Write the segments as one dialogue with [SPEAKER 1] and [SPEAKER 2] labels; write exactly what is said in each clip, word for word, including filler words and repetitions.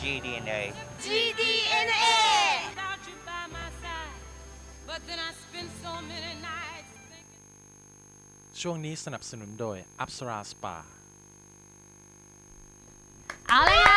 [SPEAKER 1] จี ดี เอ็น เอ
[SPEAKER 2] จี ดี เอ็น เอ
[SPEAKER 3] ช่วงนี้สนับสนุนโดยอัปสราสปา
[SPEAKER 2] เอาเลยค่ะ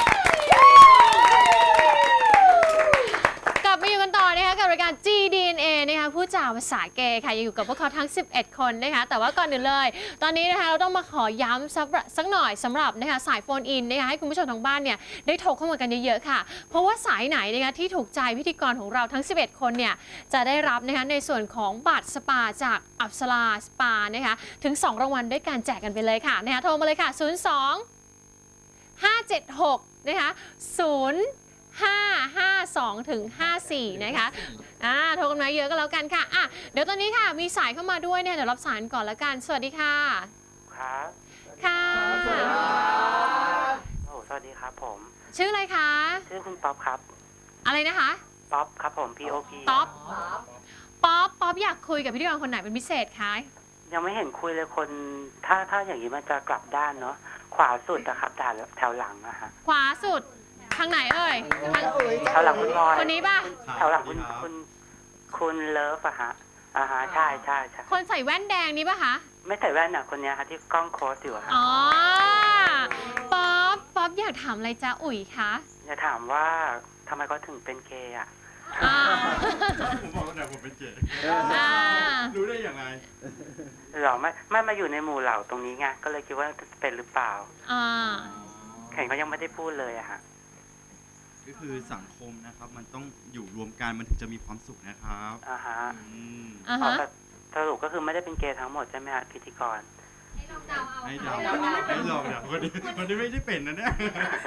[SPEAKER 2] กลับมาอยู่กันต่อนะคะกับรายการ จี ดี เอ็น เอ นะคะผู้จ่าภาษาเกย์ค่ะยังอยู่กับพวกเขาทั้งสิบเอ็ดคนนะคะแต่ว่าก่อนอื่นเลยตอนนี้นะคะเราต้องมาขอย้ำสักสักหน่อยสำหรับนะคะสายโฟนอินนะคะให้คุณผู้ชมทางบ้านเนี่ยได้โทรเข้ามากันเยอะๆค่ะเพราะว่าสายไหนนะคะที่ถูกใจพิธีกรของเราทั้งสิบเอ็ดคนเนี่ยจะได้รับนะคะในส่วนของบัตรสปาจากอัปสราสปานะคะถึงสองรางวัลด้วยการแจกกันไปเลยค่ะนะคะโทรมาเลยค่ะศูนย์ สอง ห้า เจ็ด หกนะคะศูนย์ห้า ห้า สองถึงห้าสี่นะคะอ่าโทรกันมาเยอะก็แล้วกันค่ะอ่ะเดี๋ยวตอนนี้ค่ะมีสายเข้ามาด้วยเนี่ยเดี๋ยวรับสายก่อนแล้วกันสวัสดีค่ะ
[SPEAKER 4] ครับ
[SPEAKER 2] ค่ะ
[SPEAKER 4] สวัสดีครับโอ้สวัสดีครับผม
[SPEAKER 2] ชื่ออะไรคะ
[SPEAKER 4] ชื่อคุณป๊อปครับ
[SPEAKER 2] อะไรนะคะ
[SPEAKER 4] ป๊อปครับผม P O P
[SPEAKER 2] ป๊อปป๊อปป๊อปอยากคุยกับพิธีกรคนไหนเป็นพิเศษคะ
[SPEAKER 4] ยังไม่เห็นคุยเลยคนถ้าถ้าอย่างนี้มันจะกลับด้านเนาะขวาสุดอะครับด้านแถวหลังอะฮะ
[SPEAKER 2] ขวาสุดทางไหนเอ่ย
[SPEAKER 4] แถวหลังคุณบอย
[SPEAKER 2] คนนี้ป่ะ
[SPEAKER 4] แถวหลังคุณคุณคุณเลิฟอะฮะอ่าฮะใช่ใช่ใช่
[SPEAKER 2] คนใส่แว่นแดงนี้ป่ะคะ
[SPEAKER 4] ไม่ใส่แว่นอะคนนี้ฮะที่กล้องโค้ดอยู่อะ
[SPEAKER 2] อ๋อป๊อปป๊อปอยากถามอะไรจ๊ะอุ๋ยคะ
[SPEAKER 4] อยากถามว่าทำไมเขาถึงเป็นเกย์อะ
[SPEAKER 3] ผมบอกว่าแต่ผมเป็นเกย์รู้ได้อย่างไร
[SPEAKER 4] หรอไม่ไม่มาอยู่ในหมู่เหล่าตรงนี้ไงก็เลยคิดว่าเป็นหรือเปล่า
[SPEAKER 2] อ่า
[SPEAKER 4] แข่งเขายังไม่ได้พูดเลยอะฮะ
[SPEAKER 5] ก็คือสังคมนะครับมันต้องอยู่รวมกันมันถึงจะมีความสุขนะครับ
[SPEAKER 4] อ่าฮะ
[SPEAKER 2] อ่าฮะ
[SPEAKER 4] สรุปก็คือไม่ได้เป็นเกย์ทั้งหมดใช่ไหมฮะพิธีกร
[SPEAKER 5] ให้ลองเดาเอาให้ลองให้ลองเนี่ยคนนี้คนนี้ไม่ได้เป็นนะเนี่ย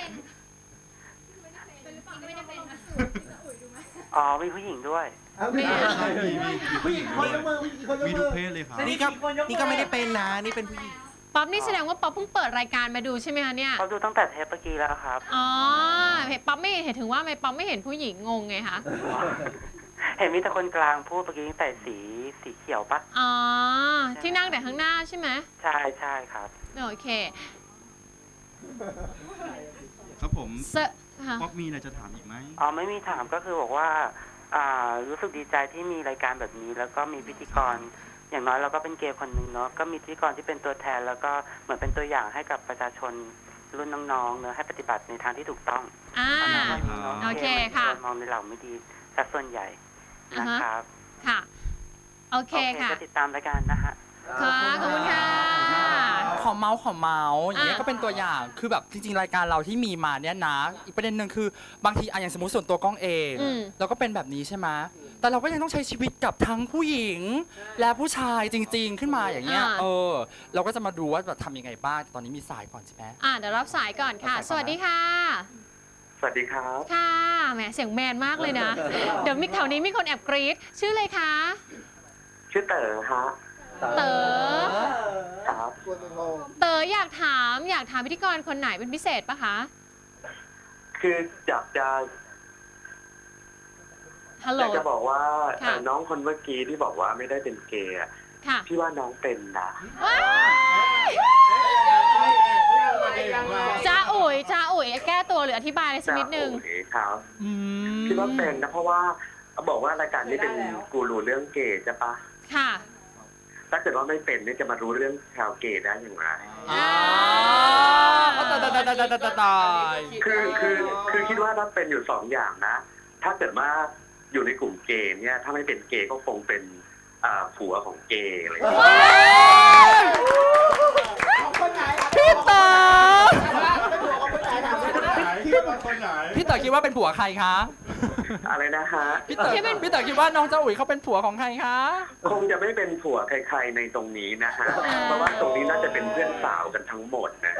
[SPEAKER 4] อ๋อมีผู้หญิงด้วย
[SPEAKER 5] มีมีมีผู้หญิงด้วยมีทุกเพศเลยครับ
[SPEAKER 6] นี่ก็นี่ก็ไม่ได้เป็นนะนี่เป็นผู้หญิง
[SPEAKER 2] ป๊อปนี่แสดงว่าป๊อปเพิ่งเปิดรายการมาดูใช่ไหมคะเนี่ย
[SPEAKER 4] ป๊อปดูตั้งแต่เทปเมื่อกี้แล้วครับ
[SPEAKER 2] อ๋อเห็นป๊อปไม่เห็นถึงว่าไม่ป๊อปไม่เห็นผู้หญิงงงไงคะ
[SPEAKER 4] เห็นมีแต่คนกลางพูดเมื่อกี้ใส่สีสีเขียวปะ
[SPEAKER 2] อ๋อที่นั่งแต่ข้างหน้าใช่ไหม
[SPEAKER 4] ใช่ใช่ครับ
[SPEAKER 2] โอเค
[SPEAKER 5] ครับผมป๊อปมีอะไรจะถามอีกไหม
[SPEAKER 4] อ๋อไม่มีถามก็คือบอกว่าอ่ารู้สึกดีใจที่มีรายการแบบนี้แล้วก็มีพิธีกรอย่างน้อยเราก็เป็นเกย์คนหนึ่งเนาะก็มีพิธีกรที่เป็นตัวแทนแล้วก็เหมือนเป็นตัวอย่างให้กับประชาชนรุ่นน้องๆเนอะให้ปฏิบัติในทางที่ถูกต้อง
[SPEAKER 2] อ่าโอเคค่ะ
[SPEAKER 4] มองในเหล่าไม่ดีสัดส่วนใหญ่นะครับ
[SPEAKER 2] ค่ะโอเคค่ะ
[SPEAKER 4] ก็ติดตามรายการนะฮะ
[SPEAKER 2] ค่ะขอบคุณค่ะ
[SPEAKER 6] ขอเมาส์ขอเมาส์อย่างเงี้ยก็เป็นตัวอย่างคือแบบจริงๆรายการเราที่มีมาเนี่ยนะอีกประเด็นหนึ่งคือบางทีอะอย่างสมมติส่วนตัวกล้องเองเราก็เป็นแบบนี้ใช่ไหมแต่เราก็ยังต้องใช้ชีวิตกับทั้งผู้หญิงและผู้ชายจริงๆขึ้นมาอย่างเงี้ยเออเราก็จะมาดูว่าแบบทำยังไงบ้างตอนนี้มีสายก่อนใช่ไหม
[SPEAKER 2] อ่าเดี๋ยวรับสายก่อนค่ะสวัสดีค่ะ
[SPEAKER 4] สวัสดีครับ
[SPEAKER 2] ค่ะแหมเสียงแมนมากเลยนะเดี๋ยวมีแถวนี้มีคนแอบกรี๊ดชื่ออะไรคะ
[SPEAKER 4] ชื่อเต๋อฮะ
[SPEAKER 2] เต๋อ
[SPEAKER 4] ครับ
[SPEAKER 2] เต๋ออยากถามอยากถามพิธีกรคนไหนเป็นพิเศษปะคะ
[SPEAKER 4] คืออยากจะ
[SPEAKER 2] ฮัลโหล
[SPEAKER 4] อยากจะบอกว่าน้องคนเมื่อกี้ที่บอกว่าไม่ได้เป็นเกย์พี่ว่าน้องเป็นนะ
[SPEAKER 2] จ้าอุ๋ยจ้าอุ๋ยแก้ตัวหรืออธิบายอะไรสักนิดนึง
[SPEAKER 4] ครับพี่ว่าเป็นนะเพราะว่าบอกว่ารายการนี้เป็นกูรูเรื่องเกย์ใช่ปะ
[SPEAKER 2] ค่ะ
[SPEAKER 4] ถ้าเกิดว่าไม่เป็นนี่จะมารู้เรื่องชาวเกย์ได้อย่างไร
[SPEAKER 6] อ๋อตายตายตายตายตาย
[SPEAKER 4] คือคือคือคิดว่าถ้าเป็นอยู่สองอย่างนะถ้าเกิดว่าอยู่ในกลุ่มเกย์เนี่ยถ้าไม่เป็นเกย์ก็คงเป็นผัวของเกย์อะไรอย่างเงี้ย
[SPEAKER 6] พี่เต๋อพี่เต๋อคิดว่าเป็นผัวใครคะ
[SPEAKER 4] อะไรนะฮะ
[SPEAKER 6] พี่เต๋อพี่เต๋อคิดว่าน้องเจ้าอุ๋ยเขาเป็นผัวของใครคะ
[SPEAKER 4] คงจะไม่เป็นผัวใครๆในตรงนี้นะฮะเพราะว่าตรงนี้น่าจะเป็นเพื่อนสาวกันทั้งหมดนะ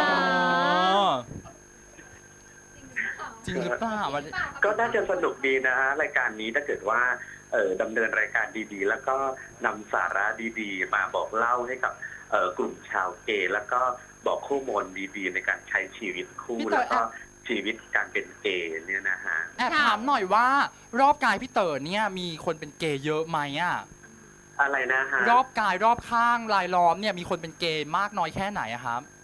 [SPEAKER 6] จริงหรือเปล่า
[SPEAKER 4] ก็น่าจะสนุกดีนะฮะรายการนี้ถ้าเกิดว่าเออดำเนินรายการดีๆแล้วก็นำสาระดีๆมาบอกเล่าให้กับกลุ่มชาวเกย์แล้วก็บอกข้อมูลดีๆในการใช้ชีวิตคู่แล้วก็ชีวิตการเป็นเกย์เนี่ยนะฮะ
[SPEAKER 6] แอบถามหน่อยว่ารอบกายพี่เต๋อเนี่ยมีคนเป็นเกย์เยอะไหมอ่ะ
[SPEAKER 4] อะไรนะฮะ
[SPEAKER 6] รอบกายรอบข้างรายล้อมเนี่ยมีคนเป็นเกย์มากน้อยแค่ไหนอะครับ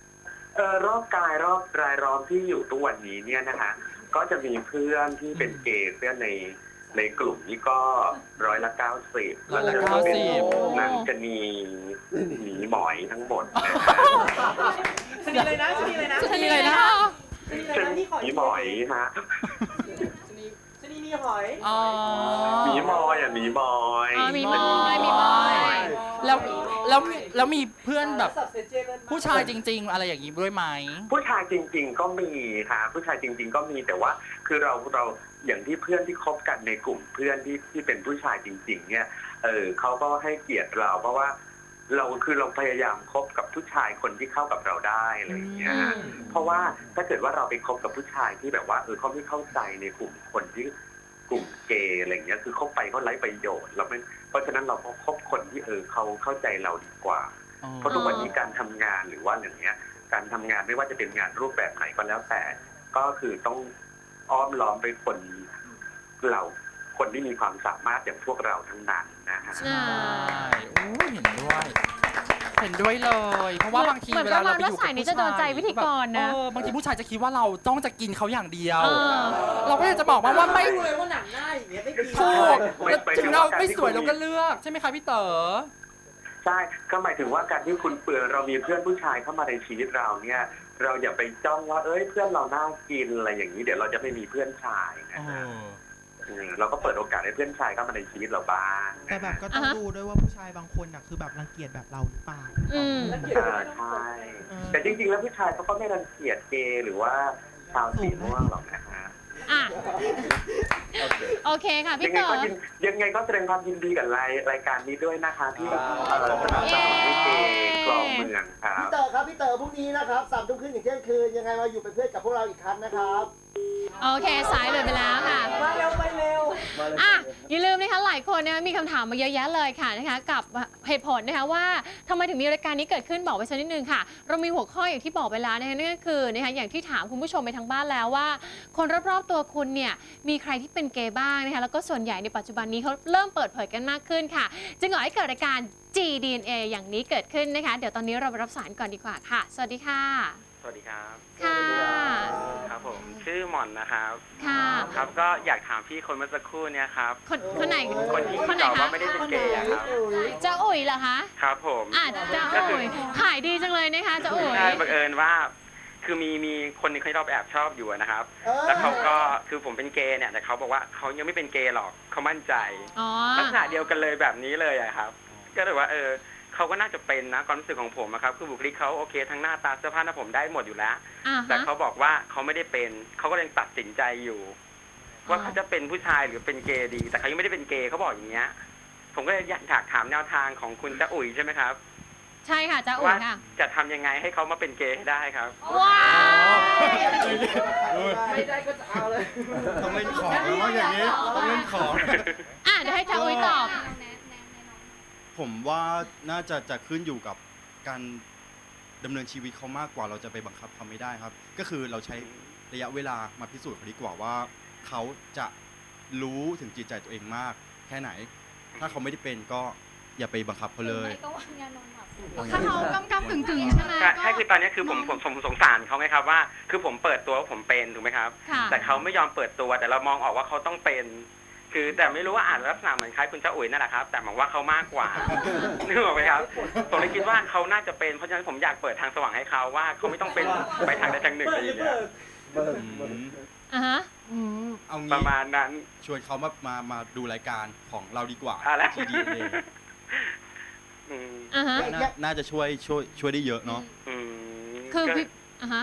[SPEAKER 4] เออรอบกายรอบรายล้อมที่อยู่ทุกวันนี้เนี่ยนะคะก็จะมีเพื่อนที่เป็นเกย์เพื่อนในในกลุ่มนี้ก็ร้อยละเก้าสิบแล้วก็เป็นนางชะนีหมีหมอยทั้งหมดนะฮะ
[SPEAKER 1] ชนีเลยนะชนีเลยนะ
[SPEAKER 2] ชนีเลยนะ
[SPEAKER 1] ชนีเลยนะนี่ขอ
[SPEAKER 4] หมีหมอยฮะ
[SPEAKER 1] ชนีชนีมีหอย
[SPEAKER 6] อ๋อ
[SPEAKER 4] หมีมอยอ่ะหมีมอย
[SPEAKER 2] อ๋อมีมอยมีมอย
[SPEAKER 6] แล้วแล้วแล้วมีเพื่อนแบบ
[SPEAKER 1] สับเซเจเลย
[SPEAKER 6] ผู้ชายจริง ๆ อะไรอย่างนี้ด้วยไหม
[SPEAKER 4] ผู้ชายจริง ๆ ก็มีค่ะผู้ชายจริง ๆ ก็มีแต่ว่าคือเราเราอย่างที่เพื่อนที่คบกันในกลุ่มเพื่อนที่ที่เป็นผู้ชายจริง ๆ เนี่ยเออเขาก็ให้เกียรติเราเพราะว่าเราคือเราพยายามคบกับผู้ชายคนที่เข้ากับเราได้อะไรอย่างเงี้ยฮะเพราะว่าถ้าเกิดว่าเราไปคบกับผู้ชายที่แบบว่าเออเขาไม่เข้าใจในกลุ่มคนที่กลุ่มเกย์อะไรอย่างเงี้ยคือเข้าไปเขาไร้ประโยชน์เราไม่เพราะฉะนั้นเราก็คบคนที่เออเขาเข้าใจเราดีกว่าเพราะทุกวันนี้การทำงานหรือว่าอย่างเงี้ยการทำงานไม่ว่าจะเป็นงานรูปแบบไหนก็แล้วแต่ก็คือต้องอ้อมล้อมไปคนเราคนที่มีความสามารถอย่างพวกเราทั้งนั้นนะฮะ
[SPEAKER 2] ใช่
[SPEAKER 6] โอ้ยเห็นด้วย เห็นด้วยเลย เพราะว่าบางที
[SPEAKER 2] เหมือน
[SPEAKER 6] เวลาเราไปอยู่
[SPEAKER 2] ประมาณว่าสายนี้จะโดนใจพิธีกรนะ
[SPEAKER 6] เออบางทีผู้ชายจะคิดว่าเราต้องจะกินเขาอย่างเดียว
[SPEAKER 2] เออ
[SPEAKER 6] เราก็อยากจะบอกว่าว่าไม่
[SPEAKER 1] รู้เลยว่าหนังหน้าอย่างเงี้ยไม่กิน
[SPEAKER 6] ถูก
[SPEAKER 4] ไม่
[SPEAKER 6] แล้ว
[SPEAKER 4] ไม่
[SPEAKER 6] ถึงเราไม่สวยเราก็เลือกใช่ไหมคะพี่เต๋อ
[SPEAKER 4] ใช่ก็หมายถึงว่าการที่คุณเปือนเรามีเพื่อนผู้ชายเข้ามาในชีวิตเราเนี่ยเราอย่าไปจ้องว่าเอ้ยเพื่อนเราน่ากินอะไรอย่างนี้เดี๋ยวเราจะไม่มีเพื่อนชายนะฮะอืมเราก็เปิดโอกาสให้เพื่อนชายเข้ามาในชีวิตเราบ้าง
[SPEAKER 7] แต่แบบก็ต้องดูด้วยว่าผู้ชายบางคนน่ะคือแบบรังเกียจแบบเราหรือเปล่า
[SPEAKER 2] อืม
[SPEAKER 4] อ่าใช่แต่จริงๆแล้วผู้ชายเขาก็ไม่รังเกียจเกย์หรือว่าชาวสีม่วงหรอกนะฮะ
[SPEAKER 2] อ่ะโอเคค่ะ
[SPEAKER 4] ยั
[SPEAKER 2] พี่
[SPEAKER 4] งไง
[SPEAKER 2] เต๋อ
[SPEAKER 4] ก็ยินยังไงก็แสดงความยินดีกับรายรายการนี้ด้วยนะคะที่เอ่อสนับสนุนให้เกย์คลองเมืองครั
[SPEAKER 8] พี่
[SPEAKER 4] บ
[SPEAKER 8] เต๋อครับพี่เต๋อพรุ่งนี้นะครับสามทุ่มครึ่งถึงเที่ยงคืนยังไงมาอยู่เป็นเพื่อนกับพวกเราอีกครั้งนะครับ
[SPEAKER 2] โอเคสายเลยไปแล้วค่ะ
[SPEAKER 1] มาเร็วไปเร็ว
[SPEAKER 2] อ่ะอย่าลืมนะคะหลายคนนะคะมีคำถามมาเยอะแยะเลยค่ะนะคะกับเหตุผลนะคะว่าทำไมถึงมีรายการนี้เกิดขึ้นบอกไว้สักนิดนึงค่ะ เรามีหัวข้ออย่างที่บอกไปแล้วนะคะนั่นก็คือนะคะอย่างที่ถามคุณผู้ชมไปทางบ้านแล้วว่า คนรอบๆตัวคุณเนี่ยมีใครที่เป็นเกย์บ้างนะคะแล้วก็ส่วนใหญ่ในปัจจุบันนี้เขาเริ่มเปิดเผยกันมากขึ้นค่ะ จึงก่อให้เกิดรายการ จี ดี เอ็น เอ อย่างนี้เกิดขึ้นนะคะเดี๋ยวตอนนี้เราไปรับสายก่อนดีกว่าค่ะสวัสดีค่ะ
[SPEAKER 9] สวัสดีครับ
[SPEAKER 2] ค่ะ
[SPEAKER 9] ครับผมชื่อหม่อนนะครับ
[SPEAKER 2] ค่ะ
[SPEAKER 9] ครับก็อยากถามพี่คนเมื่อสักครู่เนี่ยครับ
[SPEAKER 2] คนคนไหน
[SPEAKER 9] คนที่
[SPEAKER 2] คนไหน
[SPEAKER 9] ตอบ
[SPEAKER 2] คะ
[SPEAKER 9] ว่าไม่ได้เป็นเกย์อะครับ
[SPEAKER 2] เจ้าอุ๋ยเหรอคะ
[SPEAKER 9] ครับผม
[SPEAKER 2] อ่ะเจ้าอุ๋ยขายดีจังเลยนะคะเจ้าอุ๋ย
[SPEAKER 9] ใช่บังเอิญว่า คือมีมีคนหนึงเขาเราแอบชอบอยู่อะนะครับ แล้วเขาก็คือผมเป็นเกย์เนี่ยแต่เขาบอกว่าเขายังไม่เป็นเกย์หรอกเขามั่นใจ
[SPEAKER 2] อ๋อ
[SPEAKER 9] ลักษณะเดียวกันเลยแบบนี้เลยอะครับ ก็เลยว่าเออเขาก็น่าจะเป็นนะความรู้สึกของผมอะครับคือบุคลิกเขาโอเคทั้งหน้าตาเสื้อผ้าหน้าผมได้หมดอยู่แล้ว
[SPEAKER 2] อ่า
[SPEAKER 9] แต่
[SPEAKER 2] ฮะ
[SPEAKER 9] เขาบอกว่าเขาไม่ได้เป็นเขาก็ยังตัดสินใจอยู่ ว่าเขาจะเป็นผู้ชายหรือเป็นเกย์ดี แต่เขายังไม่ได้เป็นเกย์เขาบอกอย่างเงี้ยผมก็เลยอยากถามแนวทางของคุณจ๊ะอุ๋ยใช่ไหมครับ
[SPEAKER 2] ใช่ค่ะเจ้าอุ๋
[SPEAKER 9] ว่าย
[SPEAKER 2] ค่ะ
[SPEAKER 9] จะทำยังไงให้เขามาเป็นเกย์ให้ได้ครับ
[SPEAKER 2] ว้าว
[SPEAKER 1] ไม่ได้ก็จะเอาเลย
[SPEAKER 5] ต้องเล่นของแล้วว่าอย่างนี้ต้องเล่นของ
[SPEAKER 2] อ่ะเดี๋ยวให้เจ้าอุ๋ยตอบ
[SPEAKER 5] ผมว่าน่าจะจะขึ้นอยู่กับการดำเนินชีวิตเขามากกว่าเราจะไปบังคับเขาไม่ได้ครับ ก็คือเราใช้ระยะเวลามาพิสูจน์เขาดีกว่าว่าเขาจะรู้ถึงจิตใจตัวเองมากแค่ไหน ถ้าเขาไม่ได้เป็นก็อย่าไปบังคับเขาเลย
[SPEAKER 2] ถ้าเขากำกำกึ่งกึ่งๆใช่ไหม
[SPEAKER 9] ใช่ใช่คือตอนนี้คือผมผมผมสงสารเขาไงครับว่า คือผมเปิดตัวว่าผมเป็นถูกไหมครับ
[SPEAKER 2] ค่ะ
[SPEAKER 9] แต่เขาไม่ยอมเปิดตัวแต่เรามองออกว่าเขาต้องเป็น คือแต่ไม่รู้ว่าอ่านลักษณะเหมือนคล้ายคุณเจ้าอุ๋ยนั่นแหละครับ แต่หมายว่าเขามากกว่านึกออกไหมครับผมเลยคิดว่าเขาน่าจะเป็นเพราะฉะนั้นผมอยากเปิดทางสว่างให้เขาว่าเขาไม่ต้องเป็นไปทางใดทางหนึ่งอะไรอย่างเงี้ย
[SPEAKER 2] อ่าฮะ
[SPEAKER 5] เอา
[SPEAKER 9] ป
[SPEAKER 5] งี้
[SPEAKER 9] ระมาณนั้น
[SPEAKER 5] ชวนเขามามามาดูรายการของเราดีกว่า
[SPEAKER 9] อะไร
[SPEAKER 5] ทีดีเอง
[SPEAKER 9] อืม
[SPEAKER 2] อ่าฮะ
[SPEAKER 5] น่าน่าจะช่วยช่วยช่วยได้เยอะเนาะ
[SPEAKER 9] อืม
[SPEAKER 2] คือ
[SPEAKER 9] ก็
[SPEAKER 2] พี่อ่าฮะ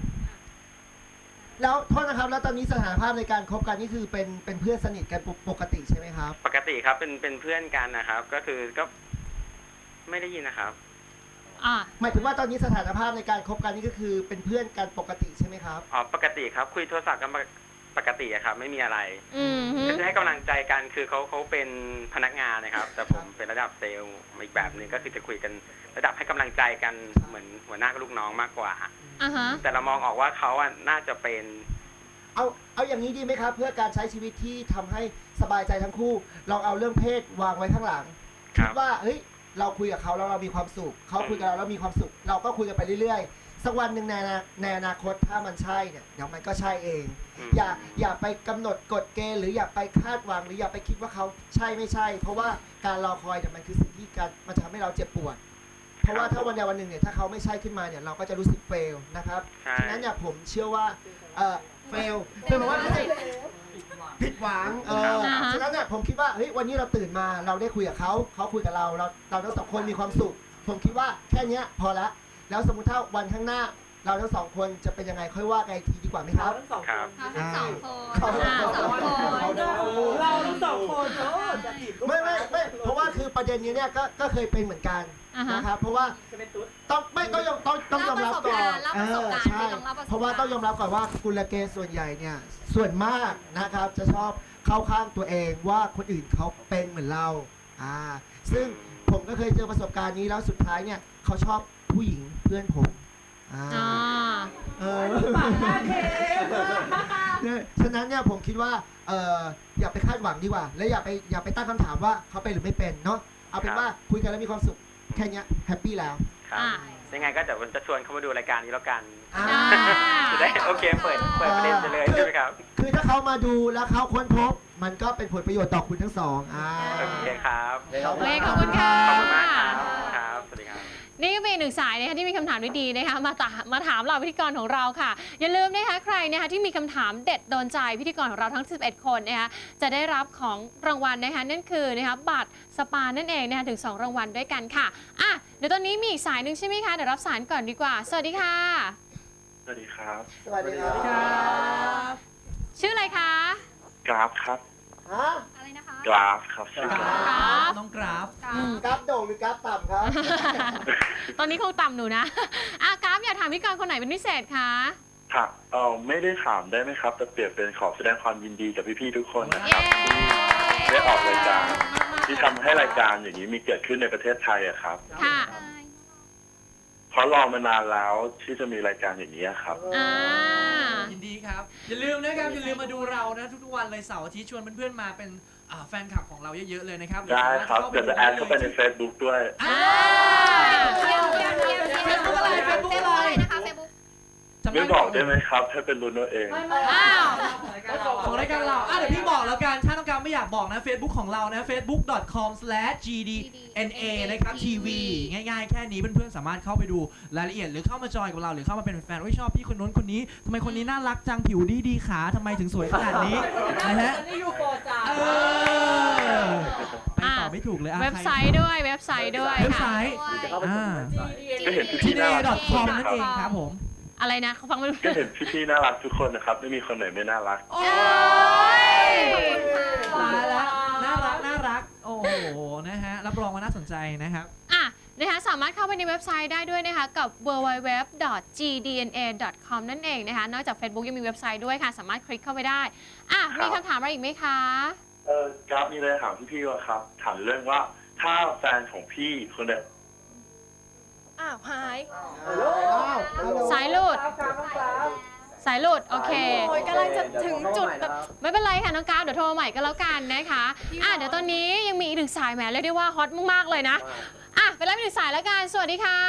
[SPEAKER 8] แล้วโทษนะครับแล้วตอนนี้สถานภาพในการคบกันนี่คือเป็นเป็นเพื่อนสนิทกันปกติใช่ไหมครับ
[SPEAKER 9] ปกติครับเป็นเป็นเพื่อนกันนะครับ ก็คือก็ไม่ได้ยินนะครับ
[SPEAKER 2] อ่า
[SPEAKER 8] หมายถึงว่าตอนนี้สถานภาพในการคบกันนี่ก็คือเป็นเพื่อนกันปกติใช่ไหมครับ
[SPEAKER 9] อ๋อปกติครับ คุยโทรศัพท์กันปกติอะครับ ไม่มีอะไร
[SPEAKER 2] อืมฮึ
[SPEAKER 9] ก็จะให้กำลังใจกันคือเขาเขาเป็นพนักงานนะครับ แต่ผมเป็นระดับเซลล์อีกแบบหนึ่งก็คือจะคุยกันระดับให้กำลังใจกันเหมือนหัวหน้ากับลูกน้องมากกว่า
[SPEAKER 2] อ่าฮะ
[SPEAKER 9] แต่เรามองออกว่าเขาอะน่าจะเป็น
[SPEAKER 8] เอาเอาอย่างนี้ดีไหมครับ เพื่อการใช้ชีวิตที่ทำให้สบายใจทั้งคู่ลองเอาเรื่องเพศวางไว้ข้างหลัง
[SPEAKER 9] ครั
[SPEAKER 8] คิ
[SPEAKER 9] บ
[SPEAKER 8] ดว่าเฮ้ยเราคุยกับเขาแล้วเรามีความสุขเขาคุยกับเราแล้วมีความสุข เราก็คุยกันไปเรื่อยๆสักวันหนึ่งในอนาในอนาคตถ้ามันใช่เนี่ยเดี๋ยวมันก็ใช่เอง
[SPEAKER 9] อืม
[SPEAKER 8] อย่าอย่าไปกำหนดกฎเกณฑ์หรืออย่าไปคาดหวังหรืออย่าไปคิดว่าเขาใช่ไม่ใช่ เพราะว่าการรอคอยเนี่ยมันคือสิ่งที่การมันทำให้เราเจ็บปวด เพราะว่าถ้าวันใดวันหนึ่งเนี่ยถ้าเขาไม่ใช่ขึ้นมาเนี่ยเราก็จะรู้สึกเฟลนะครับ
[SPEAKER 9] ใช่
[SPEAKER 8] ฉะนั้นเนี่ยผมเชื่อว่าเออเฟลเฟลแปลว่าไม่ใช่ผิดหวังเออ
[SPEAKER 2] อ่าฮะ
[SPEAKER 8] ฉะนั้นเนี่ยผมคิดว่าเฮ้ยวันนี้เราตื่นมาเราได้คุยกับเขาเขาคุยกับเราเราเราทั้งสองคนมีความสุข ผมคิดว่าแค่เนี้ยพอละแล้วสมมุติถ้าวันข้างหน้า เราทั้งสองคนจะเป็นยังไงค่อยว่ากันอีกทีดีกว่าไหมครับ
[SPEAKER 1] ทั้งสอง
[SPEAKER 9] ค
[SPEAKER 1] ค
[SPEAKER 9] รับ
[SPEAKER 1] น
[SPEAKER 2] ทั้งสองคน
[SPEAKER 8] เขา
[SPEAKER 2] อ่าสองคน
[SPEAKER 1] เราทั้งสองคนเออจะจีบลูก
[SPEAKER 8] ไม่ไม่ไม่เพราะว่าคือประเด็นนี้เนี่ยก็ก็เคยเป็นเหมือนกัน
[SPEAKER 2] อ่าฮะ
[SPEAKER 8] นะครับเพราะว่า
[SPEAKER 1] จะเป็นตุ๊ด
[SPEAKER 8] ต้องไม่ต้องยอมต้องต้องยอมรับก่อน
[SPEAKER 2] เล่าประสบการณ์
[SPEAKER 8] เออใช่
[SPEAKER 2] เล่าประสบการณ์
[SPEAKER 8] เพราะว่าต้องยอมรับก่อนว่ากุลเกย์ส่วนใหญ่เนี่ยส่วนมากนะครับจะชอบเข้าข้างตัวเองว่าคนอื่นเขาเป็นเหมือนเราอ่าซึ่งผมก็เคยเจอประสบการณ์นี้แล้วสุดท้ายเนี่ยเขาชอบผู้หญิงเพื่อนผมอ่า
[SPEAKER 2] อ่า
[SPEAKER 8] เออ
[SPEAKER 1] ปากหน้าเทป
[SPEAKER 8] เนี่ยฉะนั้นเนี่ยผมคิดว่าเอออย่าไปคาดหวังดีกว่า และอย่าไปอย่าไปตั้งคำถามว่าเขาเป็นหรือไม่เป็นเนาะเอาเป็นว่าคุยกันแล้วมีความสุขแค่เนี้ยแฮปปี้แล้ว
[SPEAKER 9] ครับ
[SPEAKER 2] อ่า
[SPEAKER 9] ยังไงก็เดี๋ยวผมจะชวนเขามาดูรายการนี้แล้วกัน
[SPEAKER 8] อ่า
[SPEAKER 9] จะได้โอเคเปิดเปิดประเด็นไปเลยใช่ไหมครับ
[SPEAKER 8] คือถ้าเขามาดูแล้วเขาค้นพบ มันก็เป็นผลประโยชน์ต่อคุณทั้งสองอ่า
[SPEAKER 9] โอเคครับ
[SPEAKER 2] โอเคขอบคุณค่ะ
[SPEAKER 9] ขอบคุณมากครับครับ สวัสดีครับ
[SPEAKER 2] นี่ก็เป็นอีกหนึ่งสายนะคะที่มีคำถามดีๆนะคะมาตามาถามเราพิธีกรของเราค่ะ อย่าลืมนะคะใครนะคะที่มีคำถามเด็ดโดนใจพิธีกรของเราทั้งสิบเอ็ดคนนะคะจะได้รับของรางวัลนะคะนั่นคือนะคะบัตรสปานั่นเองนะคะถึงสองรางวัลด้วยกันค่ะอ่ะเดี๋ยวตอนนี้มีอีกสายหนึ่งใช่ไหมคะเดี๋ยวรับสายก่อนดีกว่า สวัสดีค่ะ
[SPEAKER 4] สวัสดีครับ
[SPEAKER 8] สวัสดีครับ
[SPEAKER 2] ชื่ออะไรคะ
[SPEAKER 4] กราฟครับ
[SPEAKER 8] ฮะ
[SPEAKER 2] อะไรนะคะ
[SPEAKER 4] กราฟครับชื่อกราฟ
[SPEAKER 2] ครับ
[SPEAKER 7] น้องกราฟ
[SPEAKER 2] อืม
[SPEAKER 8] กราฟโด่งหรือกราฟต่ำครับ
[SPEAKER 2] ตอนนี้คงต่ำหนูนะอ่ะกราฟอยากถามพิธีกรคนไหนเป็นพิเศษคะ
[SPEAKER 4] ค่ะเออไม่ได้ถามได้ไหมครับ แต่เปรียบเป็นขอแสดงความยินดีกับพี่ๆทุกคนนะค
[SPEAKER 2] เย้
[SPEAKER 4] รับได้ออกรายการที่ทำให้รายการอย่างนี้มีเกิดขึ้นในประเทศไทยอะครับ
[SPEAKER 2] ค่ะ
[SPEAKER 4] เพราะรอมานานแล้วที่จะมีรายการอย่างนี้ครับ
[SPEAKER 2] อ่า
[SPEAKER 7] ยินดีครับ อย่าลืมนะครับ อย่าลืมมาดูเรานะทุกๆวันเลยเสาร์อาทิตย์ชวนเพื่อนๆมาเป็นอ่าแฟนคลับของเราเยอะๆเลยนะครับ
[SPEAKER 4] ได้ครับเดี๋ยวจะแอดเข้าไปใน Facebook ด้วย
[SPEAKER 7] อ่า
[SPEAKER 2] เยี่ยมเยี่ยมเยี่ยม
[SPEAKER 7] เฟซบุ๊กอะไรเฟซบุ๊กอะไร
[SPEAKER 2] นะคะเฟซบุ๊ก
[SPEAKER 7] จำ
[SPEAKER 4] ไม่บอกได้ไหมครับให้เป็นรุ่นเอาเอง
[SPEAKER 2] อ้าว
[SPEAKER 7] ของรายการเราอ่ะเดี๋ยวพี่บอกแล้วกัน ถ้าต้องการไม่อยากบอกนะ Facebook ของเรานะ เฟซบุ๊ก ดอท คอม สแลช จี ดี เอ็น เอ นะครับ ที วี ง่ายๆ แค่นี้เพื่อนๆ สามารถเข้าไปดูรายละเอียดหรือเข้ามาจอยกับเราหรือเข้ามาเป็นแฟนว่าชอบพี่คนนู้นคนนี้ทำไมคนนี้น่ารักจังผิวดีดีขาทำไมถึงสวยขนาดนี้นะฮะ
[SPEAKER 1] นี่อยู่โปรจ้า
[SPEAKER 7] เออไปต่อไม่ถูกเลยอ่ะ
[SPEAKER 2] เว็บไซต์ด้วยเว็บไซต์ด้วย
[SPEAKER 7] เว็บไซ
[SPEAKER 2] ค่ะ
[SPEAKER 7] ต์อ่า
[SPEAKER 4] ก็เห็น
[SPEAKER 7] จี
[SPEAKER 4] พี่
[SPEAKER 7] เด
[SPEAKER 4] ๆน่า
[SPEAKER 7] ย์
[SPEAKER 4] รั
[SPEAKER 7] ดอก ท คอม
[SPEAKER 4] ทุกคน
[SPEAKER 7] นั่
[SPEAKER 4] นะ
[SPEAKER 7] น
[SPEAKER 4] ครับ
[SPEAKER 7] เองครับผม
[SPEAKER 2] อะไรนะเขาฟังไม่รู้
[SPEAKER 4] ก็เห็นพี่ๆน่ารักทุกคนนะครับ ไม่มีคนไหนไม่น่ารัก
[SPEAKER 7] โอ้ยตายละน่ารักน่ารัก โอ้โห นะฮะ รับรองว่าน่าสนใจนะครับ
[SPEAKER 2] อ่ะนะคะสามารถเข้าไปในเว็บไซต์ได้ด้วยนะคะกับ ดับเบิลยู ดับเบิลยู ดับเบิลยู ดอท จี ดี เอ็น เอ ดอท คอม นั่นเองนะคะนอกจาก Facebook ยังมีเว็บไซต์ด้วยค่ะ สามารถคลิกเข้าไปได้อ่ะ
[SPEAKER 4] ครับ
[SPEAKER 2] มีคำถามอะไรอีกไหมคะ
[SPEAKER 4] เออกราฟมีอะไรถามพี่ๆว่าครับ ถามเรื่องว่าถ้าแฟนของพี่คนเดียว
[SPEAKER 1] อ้าวหาย
[SPEAKER 2] สายหลุด
[SPEAKER 1] กราฟกราฟกราฟ
[SPEAKER 2] สายหลุดโอเค
[SPEAKER 1] โอ้ยกำลังจะถึงจุดแบบ
[SPEAKER 2] ไม่เป็นไรค่ะน้องกราฟเดี๋ยวโทรมาใหม่ก็แล้วกันนะคะอ่ะเดี๋ยวตอนนี้ยังมีอีกหนึ่งสายแหมเรียกได้ว่าฮอตมากๆเลยนะอ่ะไปรับอีกหนึ่งสายแล้วกันสวัสดีค่ะ